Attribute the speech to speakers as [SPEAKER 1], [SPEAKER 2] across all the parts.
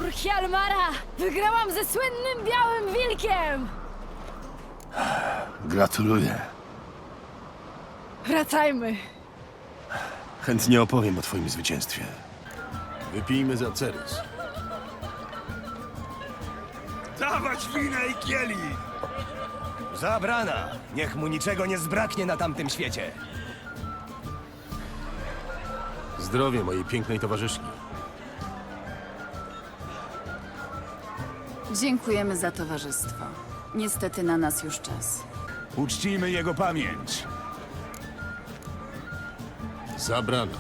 [SPEAKER 1] potwór Hjalmara! Wygrałam ze słynnym białym wilkiem!
[SPEAKER 2] Gratuluję.
[SPEAKER 1] Wracajmy.
[SPEAKER 2] Chętnie opowiem o twoim zwycięstwie. Wypijmy za Cerys.
[SPEAKER 3] Dawać wina i kieli!
[SPEAKER 4] Zabrana! Niech mu niczego nie zbraknie na tamtym świecie.
[SPEAKER 2] Zdrowie mojej pięknej towarzyszki.
[SPEAKER 5] Dziękujemy za towarzystwo. Niestety na nas już czas.
[SPEAKER 3] Uczcijmy jego pamięć.
[SPEAKER 2] Zabrana.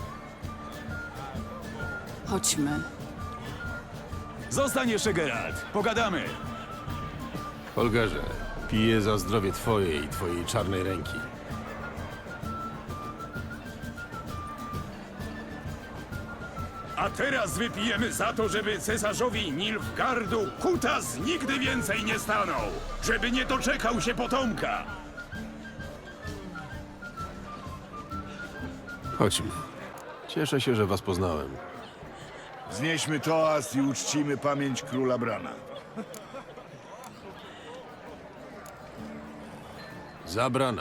[SPEAKER 5] Chodźmy.
[SPEAKER 3] Zostań jeszcze, Geralt. Pogadamy.
[SPEAKER 2] Holgerze, piję za zdrowie twoje i twojej czarnej ręki.
[SPEAKER 6] A teraz wypijemy za to, żeby cesarzowi Nilfgardu kutas nigdy więcej nie stanął! Żeby nie doczekał się potomka!
[SPEAKER 2] Chodźmy. Cieszę się, że was poznałem.
[SPEAKER 7] Znieśmy toast i uczcimy pamięć króla Brana.
[SPEAKER 2] Zabrana.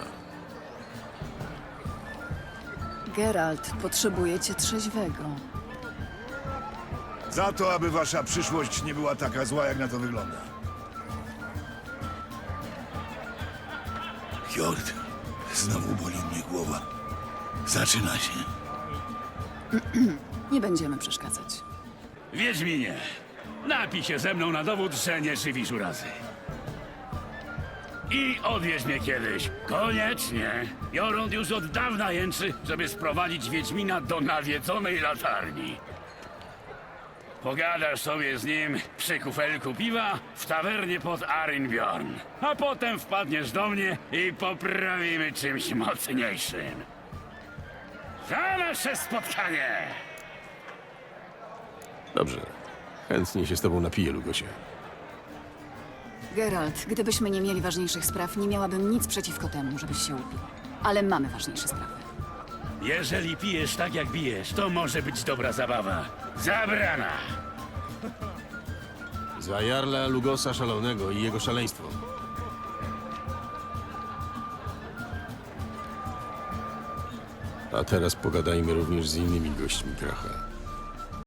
[SPEAKER 5] Geralt, potrzebujecie trzeźwego.
[SPEAKER 7] Za to, aby wasza przyszłość nie była taka zła, jak na to wygląda. Hjord, znowu boli mnie głowa. Zaczyna się.
[SPEAKER 5] Nie będziemy przeszkadzać.
[SPEAKER 6] Wiedźminie, napij się ze mną na dowód, że nie żywisz urazy. I odwieź mnie kiedyś. Koniecznie. Jorund już od dawna jęczy, żeby sprowadzić Wiedźmina do nawiedzonej latarni. Pogadasz sobie z nim przy kufelku piwa w tawernie pod Arinbjorn. A potem wpadniesz do mnie i poprawimy czymś mocniejszym. Za nasze spotkanie!
[SPEAKER 2] Dobrze. Chętnie się z tobą napiję, Lugosie.
[SPEAKER 5] Geralt, gdybyśmy nie mieli ważniejszych spraw, nie miałabym nic przeciwko temu, żebyś się upił. Ale mamy ważniejsze sprawy.
[SPEAKER 6] Jeżeli pijesz tak jak bijesz, to może być dobra zabawa. Zabrana!
[SPEAKER 2] Za Jarla Lugosa Szalonego i jego szaleństwo. A teraz pogadajmy również z innymi gośćmi Kracha.